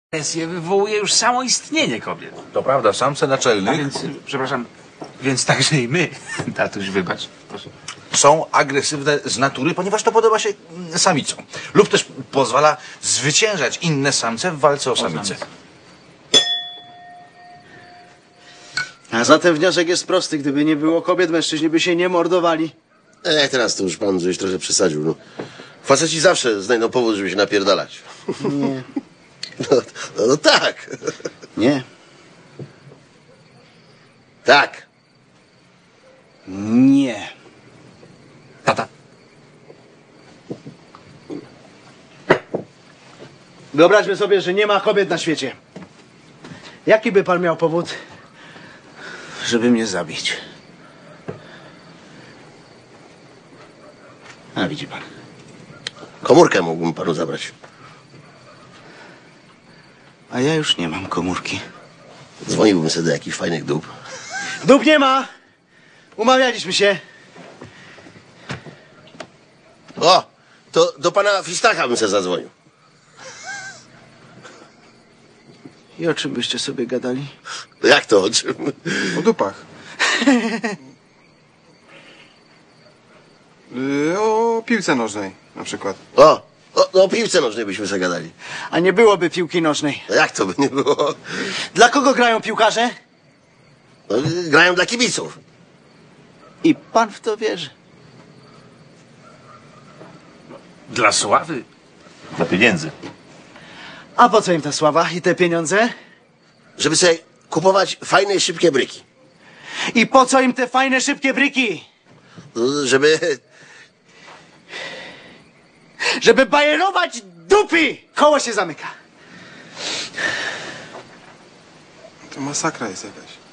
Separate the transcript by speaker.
Speaker 1: Agresję wywołuje już samo istnienie kobiet.
Speaker 2: To prawda, samce
Speaker 1: A
Speaker 2: naczelnych
Speaker 1: więc, przepraszam, więc także i my, tatuś, wybacz, proszę.
Speaker 2: są agresywne z natury, ponieważ to podoba się samicom. Lub też pozwala zwyciężać inne samce w walce o samicę.
Speaker 3: A zatem wniosek jest prosty. Gdyby nie było kobiet, mężczyźni by się nie mordowali.
Speaker 4: Teraz to już pan żeś trochę przesadził. No. Faceci zawsze znajdą powód, żeby się napierdalać.
Speaker 3: Nie.
Speaker 4: No tak.
Speaker 3: Nie.
Speaker 4: Tak.
Speaker 3: Nie.
Speaker 1: Tata.
Speaker 3: Wyobraźmy sobie, że nie ma kobiet na świecie. Jaki by pan miał powód, żeby mnie zabić? A widzi pan.
Speaker 4: Komórkę mógłbym panu zabrać.
Speaker 3: A ja już nie mam komórki.
Speaker 4: Dzwoniłbym sobie do jakichś fajnych dup.
Speaker 3: Dup nie ma! Umawialiśmy się.
Speaker 4: O! To do pana Fistacha bym se zadzwonił.
Speaker 3: I o czym byście sobie gadali?
Speaker 4: Jak to o czym?
Speaker 5: O dupach. O piłce nożnej na przykład.
Speaker 4: O piłce nożnej byśmy se gadali.
Speaker 3: A nie byłoby piłki nożnej.
Speaker 4: No jak to by nie było?
Speaker 3: Dla kogo grają piłkarze?
Speaker 4: No, grają dla kibiców.
Speaker 3: I pan w to wierzy.
Speaker 1: Dla sławy.
Speaker 2: Dla pieniędzy.
Speaker 3: A po co im ta sława i te pieniądze?
Speaker 4: Żeby sobie kupować fajne, szybkie bryki.
Speaker 3: I po co im te fajne, szybkie bryki? Żeby bajerować dupy! Koło się zamyka.
Speaker 5: To masakra jest jakaś.